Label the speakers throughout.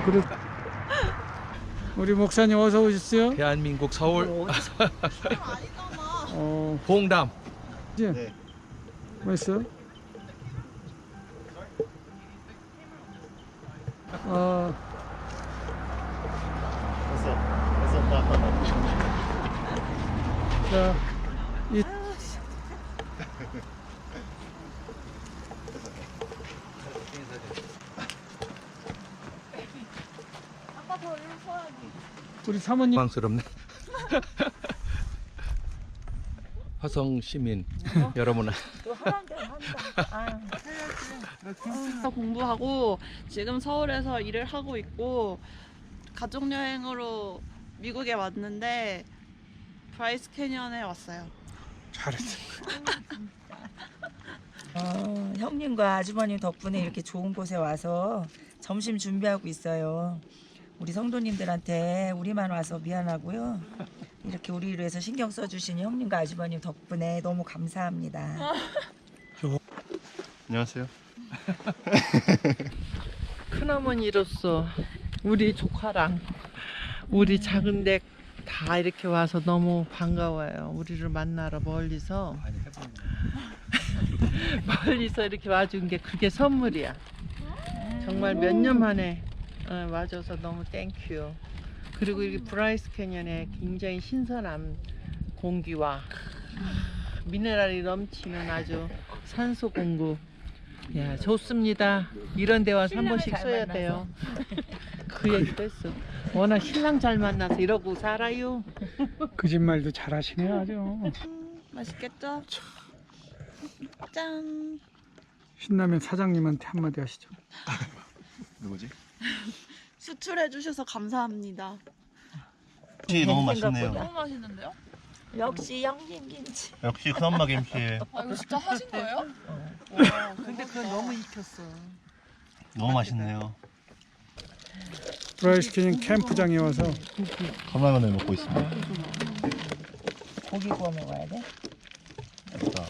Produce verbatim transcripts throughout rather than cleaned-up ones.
Speaker 1: 어, 그래. 우리 목사님 어서 오셨어요?
Speaker 2: 대한민국 서울
Speaker 1: 어,
Speaker 2: 봉담.
Speaker 1: 이제
Speaker 3: 네.
Speaker 1: 맛있어? 어,
Speaker 3: 됐어. 됐어. 나, 나, 나.
Speaker 1: 자, 이
Speaker 4: 아빠 더 일로 서야지.
Speaker 1: 우리 사모님
Speaker 2: 당황스럽네. 화성 시민 여러분,
Speaker 4: 또 하란 대로 한다. 아, 공부하고 지금 서울에서 일을 하고 있고 가족 여행으로 미국에 왔는데 브라이스 캐년에 왔어요.
Speaker 1: 잘했어.
Speaker 5: 어, 형님과 아주버님 덕분에 이렇게 좋은 곳에 와서 점심 준비하고 있어요. 우리 성도님들한테 우리만 와서 미안하고요. 이렇게 우리를 위해서 신경 써주신 형님과 아주버님 덕분에 너무 감사합니다.
Speaker 3: 안녕하세요.
Speaker 6: 큰어머니로서 우리 조카랑 우리 작은 댁 다 이렇게 와서 너무 반가워요. 우리를 만나러 멀리서 멀리서 이렇게 와준 게 그게 선물이야. 정말 몇 년 만에 어, 와줘서 너무 땡큐. 그리고 이렇게 브라이스 캐년에 굉장히 신선한 공기와 미네랄이 넘치는 아주 산소 공급. 야, 좋습니다. 이런 데 와서 한 번씩 써야 돼요. 그 얘기도 했어. 워낙 신랑 잘 만나서 이러고 살아요.
Speaker 1: 거짓말도 잘하시네 아주.
Speaker 4: 맛있겠죠? 짠.
Speaker 1: 신라면 사장님한테 한마디 하시죠.
Speaker 3: 누구지?
Speaker 4: 수출해 주셔서 감사합니다.
Speaker 3: 김치 너무 맛있네요.
Speaker 4: 너무 맛있는데요?
Speaker 5: 역시 형님 김치.
Speaker 3: 역시 큰엄마 김치.
Speaker 4: 아 이거 진짜 하신 거예요?
Speaker 6: 와, 근데 그건 너무 익혔어.
Speaker 3: 너무 맛있네요.
Speaker 1: 브라이스 캐년 캠프장에 와서
Speaker 3: 컵라면을 먹고 있습니다.
Speaker 5: 고기 구워 먹어야 돼?
Speaker 3: 자,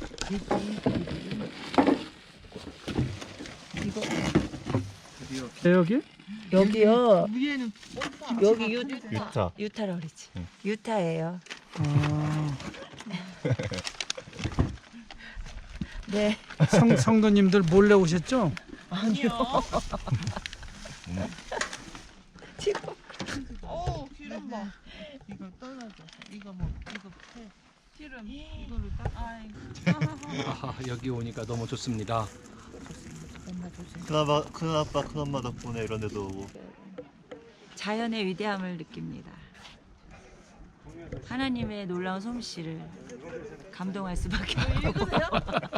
Speaker 1: 네, 여기
Speaker 5: 여기요.
Speaker 6: 위에는
Speaker 5: 여기 유,
Speaker 3: 유타.
Speaker 5: 유타라 그랬지.
Speaker 3: 응.
Speaker 5: 유타예요.
Speaker 1: 아,
Speaker 5: 네.
Speaker 1: 성, 성도님들 몰래 오셨죠?
Speaker 4: 아니요.
Speaker 3: 음.
Speaker 5: 지금
Speaker 4: 어우 기름 봐.
Speaker 6: 이거 떨어져. 이거 뭐 이거 해.
Speaker 4: 기름.
Speaker 6: 이걸로 딱.
Speaker 4: 아이고.
Speaker 2: 아하, 여기 오니까 너무 좋습니다.
Speaker 3: 큰아빠, 큰아빠, 큰엄마 덕분에 이런 데도 오고.
Speaker 5: 자연의 위대함을 느낍니다. 하나님의 놀라운 솜씨를 감동할 수밖에 없고.
Speaker 4: 읽으세요?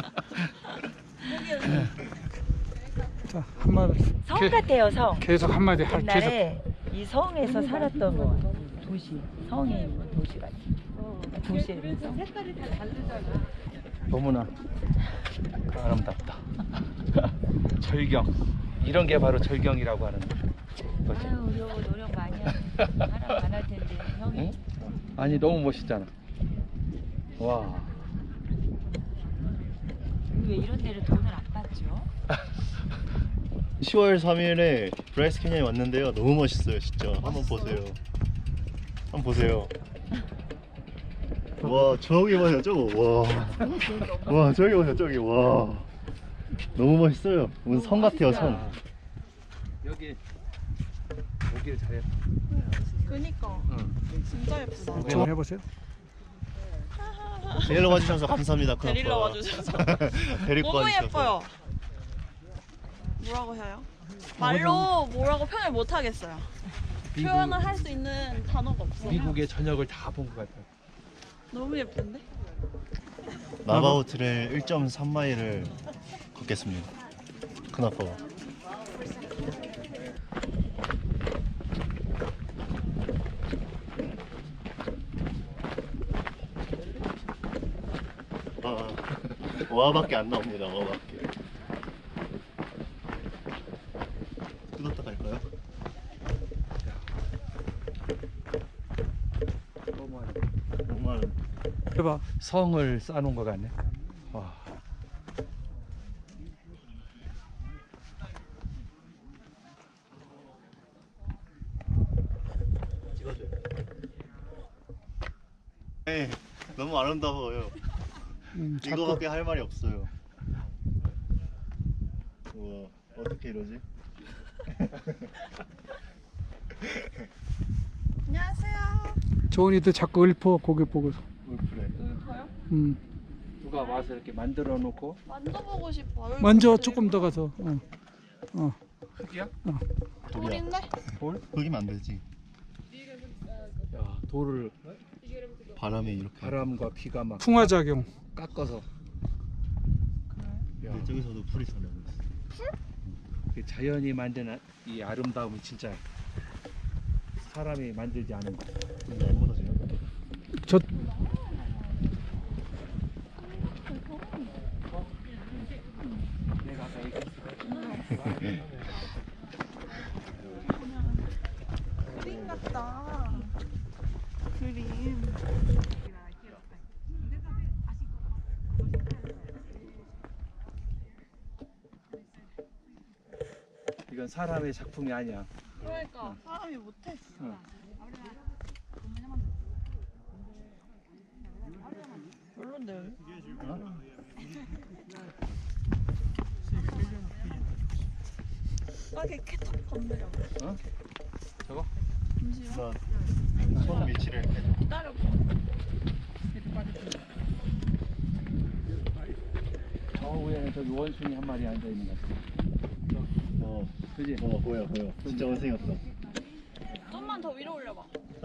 Speaker 1: 자, 한마디.
Speaker 5: 성
Speaker 1: 게-
Speaker 5: 같아요, 성.
Speaker 1: 계속 한마디 할 계속.
Speaker 5: 옛날에 이 성에서 살았던 거 도시, 성에 있는 도시 같아. 도시에 있는 성.
Speaker 2: 너무나 아름답다. 절경. 이런 게 바로 절경이라고 하는 거지.
Speaker 5: 아유, 우리 여보 노력 많이 하는 사람 많을 텐데 형이.
Speaker 2: 응? 아니 너무 멋있잖아. 와.
Speaker 5: 왜 이런 데를 돈을 안 받죠?
Speaker 3: 시월 삼일에 브라이스 캐년에 왔는데요. 너무 멋있어요, 진짜. 한번 보세요. 한번 보세요. 와, 저기 보세요, 저거. 와. 와, 저기 보세요, 저기. 와. 너무 멋있어요. 무슨 성 같아요, 성.
Speaker 2: 여기 오길 잘했다.
Speaker 4: 그니까.
Speaker 2: 응.
Speaker 4: 진짜 예쁘다.
Speaker 1: 좀 해보세요.
Speaker 3: 데리러 와주셔서 감사합니다, 큰아빠.
Speaker 4: 데리러 와주셔서.
Speaker 3: 데리고
Speaker 4: 너무
Speaker 3: 와주셔서.
Speaker 4: 예뻐요. 뭐라고 해요? 말로 뭐라고 표현을 못 하겠어요.
Speaker 2: 미국,
Speaker 4: 표현을 할 수 있는 단어가 없어요.
Speaker 2: 미국의 저녁을 다 본 것 같아요.
Speaker 4: 너무 예쁜데?
Speaker 3: 나바우 트레일 일 점 삼 마일을 걷겠습니다. 큰아빠가. 아, 와밖에 안 나옵니다. 와밖에. 뜯었다 갈까요? 정말
Speaker 1: 해봐.
Speaker 2: 성을 쌓아놓은 것 같네. 와.
Speaker 3: 네, 너무 아름다워요.
Speaker 1: 음, 자꾸
Speaker 3: 이거밖에 할 말이 없어요. 우와, 어떻게 이러지?
Speaker 4: 안녕하세요.
Speaker 1: 조은이도 자꾸 읊어 고개 보고.
Speaker 3: 울프레.
Speaker 4: 울퍼요?
Speaker 1: 음.
Speaker 2: 누가 와서 이렇게 만들어 놓고
Speaker 4: 만져보고 싶어. 얼굴
Speaker 1: 먼저
Speaker 4: 그리고.
Speaker 1: 조금 더 가서. 어. 어.
Speaker 2: 흙이야?
Speaker 4: 돌인데?
Speaker 2: 돌?
Speaker 3: 거기면 안 되지.
Speaker 2: 야, 돌을
Speaker 3: 바람에 이렇게.
Speaker 2: 바람과 비가 막
Speaker 1: 풍화작용.
Speaker 2: 깎아서. 야,
Speaker 3: 근데 저기서도 풀이 잘 나고 있어.
Speaker 2: 그 자연이 만든 이 아름다움이 진짜 사람이 만들지 않은 거.
Speaker 3: 근데 안 무너져요?
Speaker 1: 저
Speaker 2: 내가 아까 얘기했어.
Speaker 4: 그림 같다. 그림.
Speaker 2: 이건 사람의 작품이 아니야.
Speaker 4: 그러니까 사람이 못해.
Speaker 2: 응.
Speaker 4: 별론데 여기. 아, 걔 캐터 건드려.
Speaker 2: 어? 저거?
Speaker 4: 잠시만.
Speaker 3: 나손 위치를 이렇게.
Speaker 4: 기다려.
Speaker 2: 저 위에는 저기 원숭이 한 마리 앉아 있는 것 같아.
Speaker 3: 어,
Speaker 2: 그지?
Speaker 3: 어 보여 보여. 진짜 원생이었어.
Speaker 4: 좀만 더 위로 올려봐.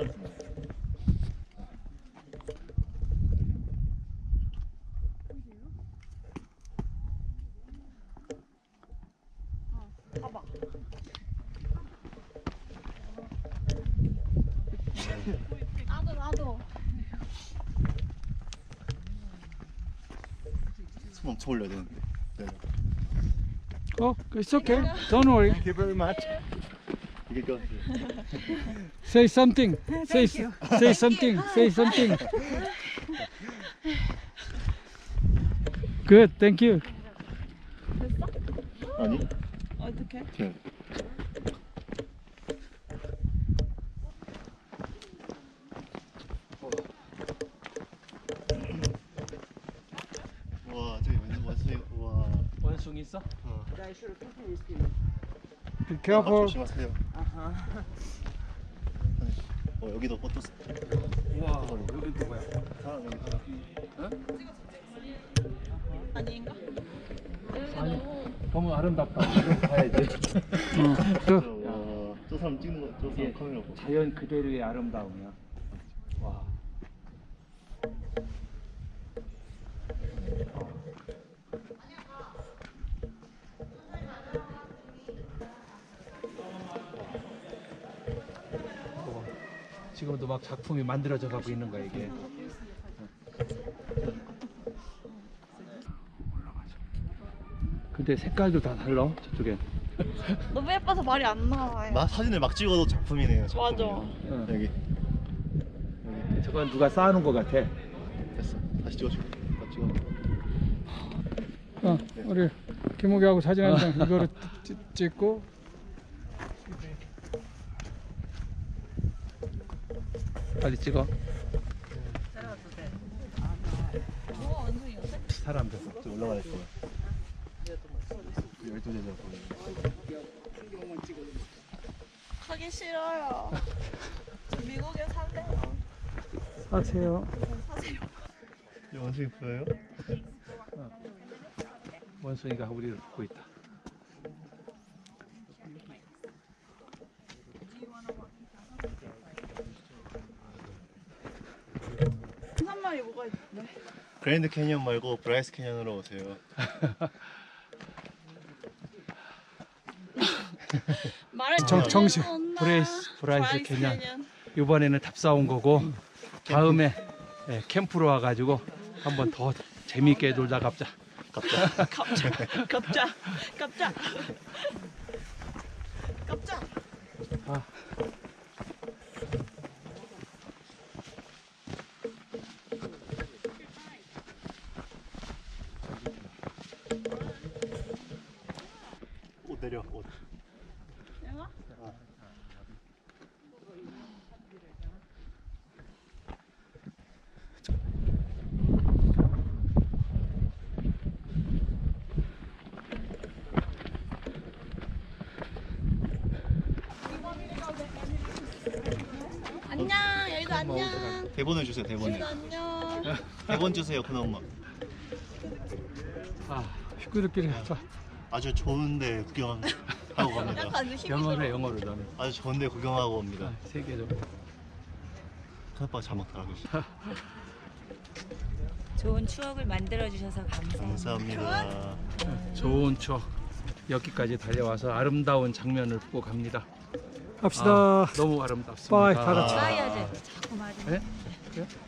Speaker 4: 어, 봐봐. 나도 나도.
Speaker 3: 손 엄청 올려야 되는데. 네.
Speaker 1: 어, it's okay. Don't worry.
Speaker 3: Thank you very much. 이게 그
Speaker 1: Say something. Say s- say something. Say something. Good. Thank you.
Speaker 3: 아니?
Speaker 4: 어떻게?
Speaker 3: 네. 와, 저기 완전 원숭이. 와.
Speaker 2: 원숭이 있어?
Speaker 1: Be
Speaker 3: 아,
Speaker 1: careful.
Speaker 3: 조심하세요. 어, 여기도 포토 스
Speaker 2: 우와, 여기 누구야?
Speaker 3: 사람 여기 사람.
Speaker 4: 아닌가? 여기
Speaker 2: 아니.
Speaker 4: 너무
Speaker 2: 너무 아름답다. 이거 봐야지.
Speaker 1: 어,
Speaker 3: 저,
Speaker 1: 저,
Speaker 3: 와, 저 사람 찍는 거, 저
Speaker 2: 이게
Speaker 3: 사람 카메라 보고.
Speaker 2: 자연 그대로의 아름다움이야. 와. 지금도 막 작품이 만들어져 가고 있는 거야 이게. 근데 색깔도 다 달라 저쪽에.
Speaker 4: 너무 예뻐서 말이 안 나와요.
Speaker 3: 막 사진을 막 찍어도 작품이네요.
Speaker 4: 맞아.
Speaker 3: 작품이요.
Speaker 2: 응.
Speaker 3: 여기
Speaker 2: 저건 누가 쌓아놓은 것 같아.
Speaker 3: 됐어. 다시 찍어줘. 다 찍어.
Speaker 1: 어, 우리 김우기하고 사진 한 장 이거로 찍- 찍고.
Speaker 2: 빨리 찍어.
Speaker 4: 뭐가 원숭이였어?
Speaker 2: 사람들.
Speaker 3: 저 올라가야 될 거야. 열두 제자 보여.
Speaker 4: 가기 싫어요. 저 미국에 살래요.
Speaker 1: 사세요.
Speaker 4: 사세요.
Speaker 3: 이 원숭이 보여요?
Speaker 2: 원숭이가 우리를 보고 있다.
Speaker 4: 한 마리 뭐가 있네.
Speaker 3: 그랜드 캐니언 말고 브라이스 캐니언으로 오세요.
Speaker 4: 말을
Speaker 1: 정-
Speaker 4: 잘
Speaker 1: 정식.
Speaker 4: 해놓나?
Speaker 2: 브레이스- 브라이스
Speaker 4: 브라이스
Speaker 2: 캐년.
Speaker 4: 캐년.
Speaker 2: 이번에는 답사온 거고 다음에 예, 캠프로 와가지고 한번 더 재미있게 놀다 갑자.
Speaker 3: 갑자.
Speaker 4: 갑자 갑자 갑자 갑자.
Speaker 2: 아.
Speaker 3: 옷 내려. 옷.
Speaker 4: 내가? 안녕.
Speaker 3: 대본을 주세요. 대본을.
Speaker 4: 안녕.
Speaker 3: 대본 주세요, 큰 엄마.
Speaker 1: 아, 식구들끼리 자,
Speaker 3: 아주 좋은데 구경하고 갑니다.
Speaker 2: 영어로 해, 영어로 나는.
Speaker 3: 아주 좋은데 구경하고 옵니다.
Speaker 2: 세계적으로.
Speaker 3: 큰 아빠가 잘 먹더라고요.
Speaker 5: 좋은 추억을 만들어 주셔서 감사합니다.
Speaker 3: 감사합니다.
Speaker 2: 좋은 추억. 여기까지 달려와서 아름다운 장면을 보고 갑니다.
Speaker 1: 갑시다.
Speaker 2: 아, 너무 아름답습니다.
Speaker 1: 빠이, 다 같이.
Speaker 5: 빠이야지. 자꾸 말이.
Speaker 2: 네? 그래요?